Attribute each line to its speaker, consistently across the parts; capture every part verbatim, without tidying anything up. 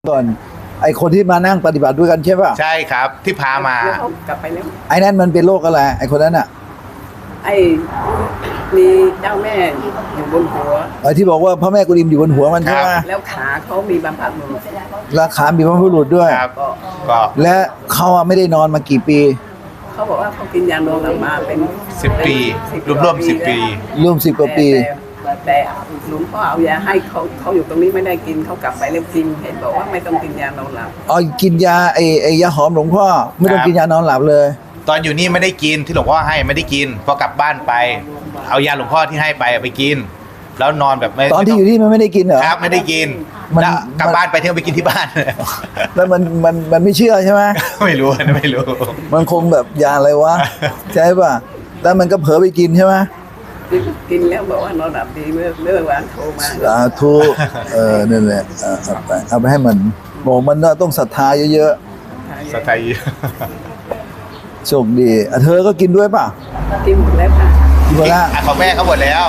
Speaker 1: ก่อนไอคนที่มานั่งปฏิบัติด้วยกันใช่ป่ะ
Speaker 2: ใช่ครับที่พามา
Speaker 3: แล้วเขากลับไปแล้ว
Speaker 1: ไอ้นั่นมันเป็นโรคอะไรไอคนนั้นอ่ะ
Speaker 3: ไอ้มีเจ้าแม่อยู่บนหัว
Speaker 1: ไอที่บอกว่าพระแม่กุฎิมอยู่บนหัวมันใช่ไหม
Speaker 3: แล้วขาเขามีบำบัดมือ
Speaker 1: ราคามีพระพุรุษด้วย
Speaker 2: ครับ
Speaker 3: ก็
Speaker 2: ก็
Speaker 1: และเขาอะไม่ได้นอนมากี่ปี
Speaker 3: เขาบอกว่าเขากินยานอนหลับมาเป็น
Speaker 2: สิบปีรวมรวมสิบปี
Speaker 1: ร่วมสิบกว่าปี
Speaker 3: แต่แต่หลวงพ่อเอายาให้เขาเขาอยู่ตรงนี้ไม่ได้กินเขากลับไปแล้วกินเห็นบอกว่าไม่ต้องกินยานอนหลับ
Speaker 1: เอากินยาไอไอยาหอมหลวงพ่อไม่ต้องกินยานอนหลับเลย
Speaker 2: ตอนอยู่นี่ไม่ได้กินที่หลวงพ่อให้ไม่ได้กินพอกลับบ้านไป เอายาหลวงพ่อที่ให้ไปไปกิน แล้วนอนแบบไม่
Speaker 1: ตอนที่อยู่ที่มันไม่ได้กินเหรอ
Speaker 2: ครับไม่ได้กิน
Speaker 1: มัน
Speaker 2: แล้วกลับ
Speaker 1: มัน
Speaker 2: บ้านไปที่เอาไปกินที่บ้าน
Speaker 1: แล้วมันมันมันไม่เชื่อใช่ไหม
Speaker 2: ไม่รู้นะไม่รู้
Speaker 1: มันคงแบบยาอะไรวะ ใช่ป่ะแล้วมันก็เผลอไปกินใช่ไหม
Speaker 3: กินกินแล้วบอกว่านอนหลับดีเมื่อเมื่อวานโทรมา
Speaker 1: สาธุเออนั่นแหละเอาเอาไปเอาไปให้มันบอกมันต้องศรัทธาเยอะ
Speaker 2: สไตล์
Speaker 1: ๆโชคดีอ่ะเธอก็กินด้วยป่ะ
Speaker 3: กินหมดแล้วค่ะ
Speaker 1: กินหมดละ
Speaker 2: อ่ะของแม่เขาหมดแล้ว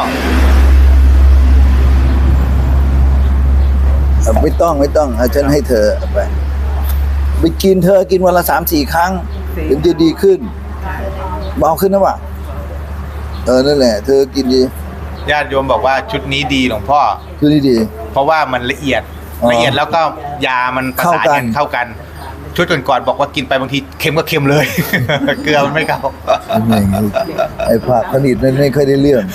Speaker 1: อ่ะไม่ต้องไม่ต้องอ่ะฉันให้เธอเอาไปไปกินเธอกินวันละสามสี่ครั้งถึงจะดีขึ้นเบาขึ้นนะวะเออนั่นแหละ เธอกินดี
Speaker 2: ญาติโยมบอกว่าชุดนี้ดีหลวงพ่อ
Speaker 1: คือดีดี
Speaker 2: เพราะว่ามันละเอียด
Speaker 1: อ๋อ
Speaker 2: ละเอียดแล้วก็ยามันประสาน
Speaker 1: เข้ากั
Speaker 2: กัน นเข้ากัน ชุดก่อนๆบอกว่ากินไปบางทีเค็มก็เค็มเลย เกลือมันไม่เข้า
Speaker 1: ไอ้ไงไอ้ผักผลิตนั่นไม่ค่อยได้เรื่อง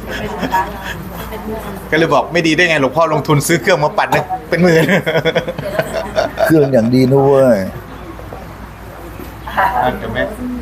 Speaker 2: ก็เลยบอกไม่ดีได้ไงหลวงพ่อลงทุนซื้อเครื่องมาปั่นนะเป็นหมื่น
Speaker 1: เครื่องอย่างดีนะเว้ย
Speaker 2: อ่ะเดี๋ยวแม่